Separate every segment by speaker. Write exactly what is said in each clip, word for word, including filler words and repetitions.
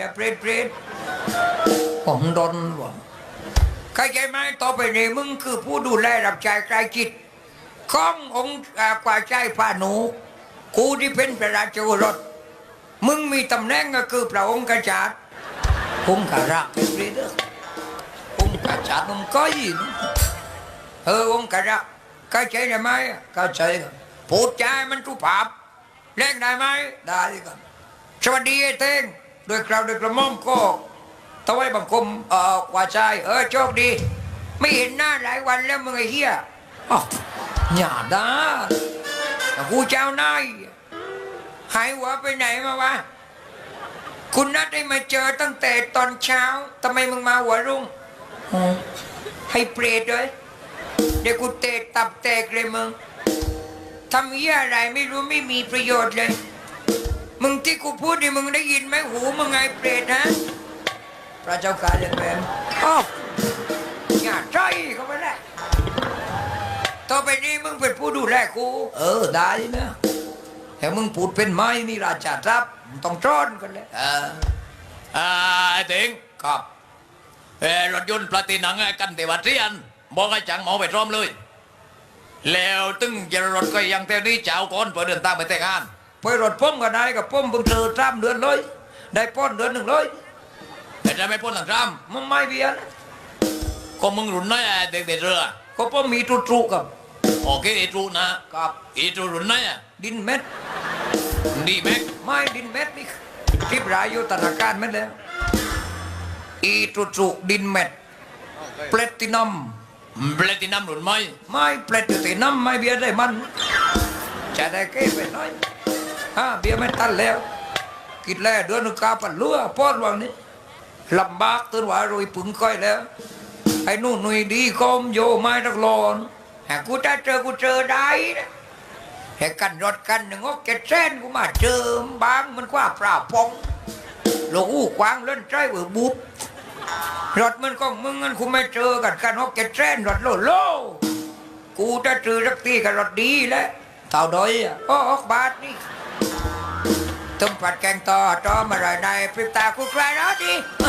Speaker 1: แต่เปรตเปรตผมดนวะเข้าใจไหมต่อไปนี้มึงคือผู้ดูแลรับใช้ใกล้จิตขององค์กว่าใจพาหนูกูที่เป็นพระราชโอรสมึงมีตำแหน่งก็คือพระองค์กษัตริย์ผมกะรักเป็นเรื่องผมกษัตริย์ผมก็ยินเออองค์กษัตริย์เข้าใจได้ไหมเข้าใจพูดใจมันทุภาพเล่นได้ไหมได้ครับสวัสดีไอ้เต้งโดยกล่าวโดยกระหม่อมก็ถวายบังคมเอ่อกว่าใจเออโชคดีไม่เห็นหน้าหลายวันแล้วมึงไอ้เหี้ยอ๋ออย่าด่ากูเจ้านายหายหัวไปไหนมาวะคุณนัดได้มาเจอตั้งแต่ตอนเช้าทำไมมึงมาหัวรุ่งให้เปรตเลยเดี๋ยวกูเตะตับแตกเลยมึงทำเหี้ยอะไรไม่รู้ไม่มีประโยชน์เลยมึงที่กูพูดนี่มึงได้ยินไหมหูมึงไงเปรตฮะพระเจ้าการเรียนแบบอ้าวอย่าใจเขาไม่ได้ต่อไปนี้มึงเป็นผู้ดูแลกูเออได้นะแต่มึงพูดเป็นไม้นี่ราชาทรัพย์ต้องจ้อนกันเลยเอออ่าไอ้เต็งครับเออรถยนต์ปลาตีนังกันเทวัดเรียนบอกให้จังหมอไปพร้อมเลยแล้วตึงจะรถก็ยังเท่านี้เจ้าก่อนเพื่อเดินทางไปแต่งงานไปรถป้อมก็ได้กับป้อมเพิ่งเจอสามเดือนเลยได้ป้อนเดือนหนึ่งเลยแต่จะไม่ป้อนหลังซ้ำมึงไม่เบียนก็มึงรุ่นน้อยเด็กเด็กเรือก็ป้อมมีตรุตรุกับโอเคอีตรุนะครับอีตรุรุ่นน้อยดินเม็ดดีเม็ดไม่ดินเม็ดนี่คลิปรายอยู่ธนาคารเม็ดแล้วอีตรุตรุดินเม็ดแพลตินัมแพลตินัมรุ่นไม่ไม่แพลตินัมไม่เบียร์ได้มันจะได้เก็บไปน้อยฮะเบียร์ไม่ตันแล้วกินแล้วเดือนนึงกาปันเลือป้อนวังนี้ลำบากตื่นว่าโรยปึงค่อยแล้วไอ้นู่นหนุ่ยดีคอมโยไม้ตักลอนหากกูจะเจอกูเจอได้นะแค่กันรถกันหนึ่งก็เก็ดเส้นกูมาเจอบางมันกว่าปลาพองหลงกวางเล่นใจเบื่อบุบรถมันก็มึงงั้นกูไม่เจอกันกันก็เก็ดเส้นรถโลโลกูจะเจอสักทีกับรถดีแล้วเท่าดอยอ่ะก็ออกบาทนี่ต้มผัดแกงต่อต่อมาไรในพริบตากูใครนะดิ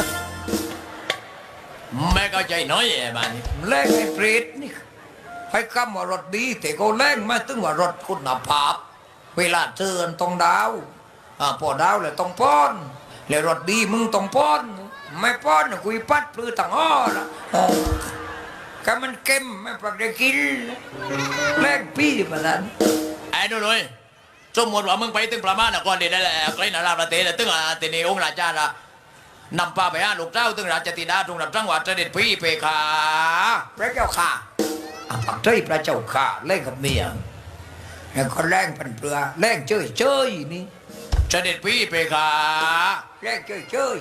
Speaker 1: ไม่เข้าใจน้อยไอ้บ้านเล่นไอ้เปรตนี่ให้คำว่ารถดีแต่ก็เล่นมาตึงว่ารถคุณภาพเวลาเตือนต้องดาวอ่าพอดาวเลยต้องป้อนแล้วรถดีมึงต้องป้อนไม่ป้อนกุยปัดปลื้อต่างอ้อละก็มันเค็มไม่ปักได้กินเล่นพี่มาดันไอ้ดูเลยสมมติว่ามึงไปตึงประมาณก่อนเดี๋ยวได้ใกล้นาราประเทศตึงอ่ะตีนี้องค์ราชาละนำพาไปหาลูกเจ้าตึงราชธิดาตรงรับจังหวัดเสด็จพี่เพคะพระเจ้าค่ะปักใจพระเจ้าค่ะเล่นกับเมียแล้วก็แรงพันเปลือแรงเจยเจยนี่เสด็จพี่เพคะแรงเจยเจย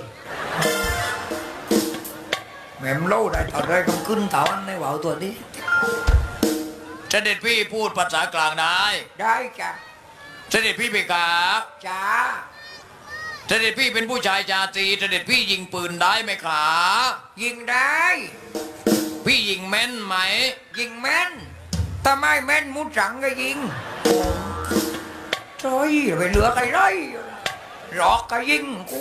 Speaker 1: แม่มโลได้ต่อได้กำขึ้นเต่าอันในว่าวตัวนี้เสด็จพี่พูดภาษากลางได้ได้จ้ะเสด็จพี่เพคะจ้าเสด็จพี่เป็นผู้ชายชาตรีเสด็จพี่ยิงปืนได้ไหมคะยิงได้พี่ยิงแม่นไหมยิงแม่นถ้าไม่แม่นมุดสังก็ยิงโถ่ไปเหลือใครไรหลอกก็ยิงกู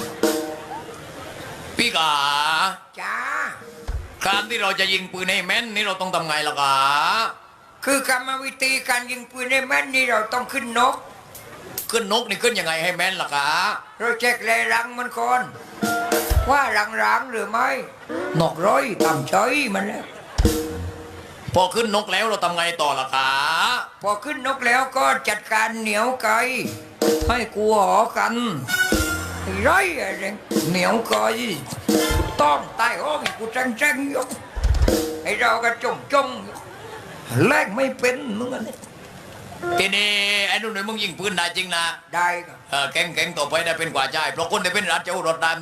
Speaker 1: พี่กาจ้าการที่เราจะยิงปืนให้แม่นนี่เราต้องทำไงล่ะกาคือกรรมวิธีการยิงปืนให้แม่นนี่เราต้องขึ้นนกขึ้นนกนี่ขึ้นยังไงให้แม่นล่ะกาเราเช็คแรงรังมันก่อนว่ารังรังหรือไม่นกร้อยทำเฉยมันแล้วพอขึ้นนกแล้วเราทำไงต่อล่ะคะพอขึ้นนกแล้วก็จัดการเหนียวไก่ให้กูหอกันไอ้ไรอะไรเหนียวไก่ต้องใต้ห้องกูจังจังยกไอ้เราก็จงจงแลกไม่เป็นมึงอันนี้ทีนี้ไอ้นุ่นมึงยิงปืนได้จริงนะได้เออแก่งแก่งต่อไปได้เป็นกว่าใจเพราะคนได้เป็นราชโอรสได้